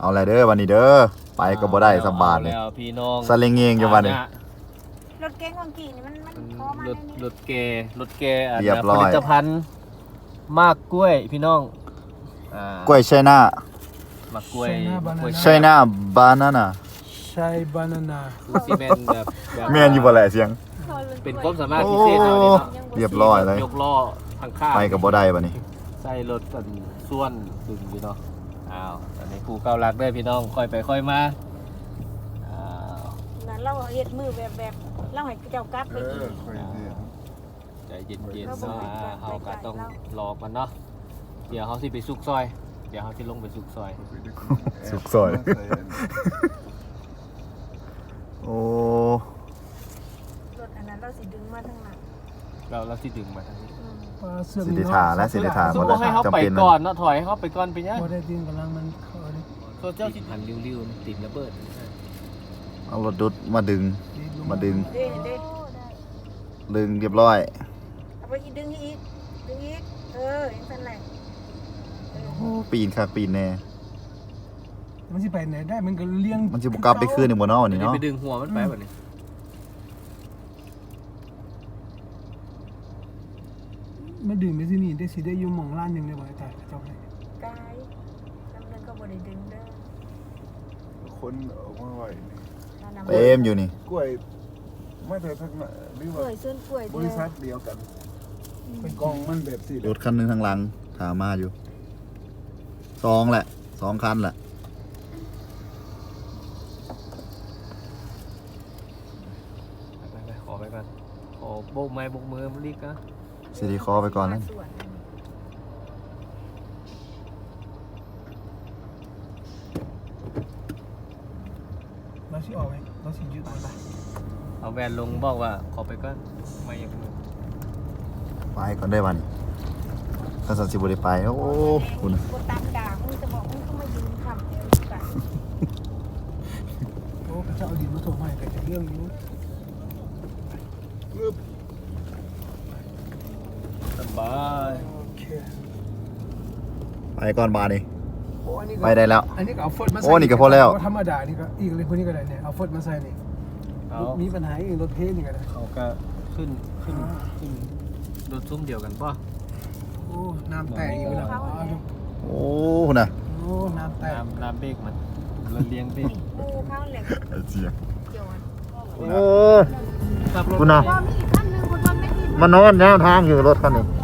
เอาอะไรเด้อวันนี้เด้อไปก็บ่ได้สบายเลยแล้วพี่น้องสลิงเองอยู่วันนี้รถเก๋งของกี่นี่มันพอมารถเลยรนี่ถเกอันเรียบร้อยผลิตภัณฑ์มากกล้วยพี่น้องกล้วยไชน่ามากกล้วยไชน่าบานาน่าใช่บานาน่าคือซีเมนต์แบบแม่นอยู่บ่แหละเสียงเป็นความสามารถพิเศษเอาเนี่ยเนาะเรียบร้อยเลยยกล้อทางข้างไปก็บ่ได้บัดนี้ใส่รถกันส่วนดึงพี่น้องอ้าวตอนนี้ผู้เก่ารักได้พี่น้องค่อยไปค่อยมาอ้าวนั่นเราเฮ็ดมือแบบเราให้เจ้ากลับไปกินใจเย็นๆเนาะเฮาก็ต้องรอกันเนาะเดี๋ยวเฮาสิไปซุกซอยเดี๋ยวเฮาสิลงไปซุกซอยสุกซอย โอ้รถอันนั้นเราสิดึงมาทางหลังเราสิดึงมาทางนี้ปลาเสื่อมสิได้ทาและสิได้ทาสมมุติให้เขาไปก่อนเนาะถอยให้เขาไปก่อนไปเนี่ยบ่ได้ดึงกำลังมันเข้าดิโซเชียลสิพันริ้วๆติดระเบิดเอารถดุดมาดึง มาดึงเด้เด้ดึงเรียบร้อยเอาไปอีกดึงอีกอย่างนั้นแหละโอ้ปีนค่ะปีนแน่มันสิไปไหนได้มันก็เลี้ยงมันสิบ่กลับไปคืนอีกบ่เนาะวันนี้เนาะไปดึงหัวมันไปแบบนี้มาดึงไปที่นี่ได้สิได้อยู่หม่องร้านหนึงได้บ่ไอ้ตายเจ้าให้กายจำเนินก็บ่ได้ดึงเด้อคนออกมาไหวนี่เต็มอยู่นี่กล้วยไม่แต่ทั้งนั้นหรือกล้ว่าวยส่วนกล้วยบริษัทเดียวกันเป็นกองมันแบบสี่รถคันหนึงทางหลังถามมาอยู่2แหละ2คันแหละไปขอไปก่อนขอโบกไม้โบกมือมันรีกนะสิได้ขอไปก่อนแล้วเราสิออกไหมเราสิยึดมันไปเอาแวนลงบอกว่าขอไปก่อนไม่อยากมือไปก่อนได้วันนี้ถ้าสันสิบ่ได้ไปโอ้คุณบ่ตามด่ามึงจะบอกมึงก็มายืนทำเอวกันโอ้พระเจ้าเอาดินมาส่งให้แต่เรื่องนี้สบายโอเคไปก่อนบาดนี้โอ้อันนี้ก็ไปได้แล้วอันนี้ก็เอาฟดมาใส่โอ้นี่ก็พอแล้วธรรมดานี่ก็อีกเลยคนนี้ก็ได้เนี่ยเอาฟดมาใส่นี่เอามีปัญหาอีกรถเทนี่ก็ได้เขาก็ขึ้นรถซุ้มเดียวกันป่ะโอ้น้ำแตกอีกแล้วเอาดูโอ้คุณน่ะโอ้น้ำแตกน้ำเบรกมันเราเลี้ยงเบรกกูเข้าเหล็กเสียงเกี่ยวกันโอ้ขับรถคุณน่ะว่ามีอีกคันนึงคนว่าไม่มีมันนอนแนวทางอยู่รถคันนี้เอ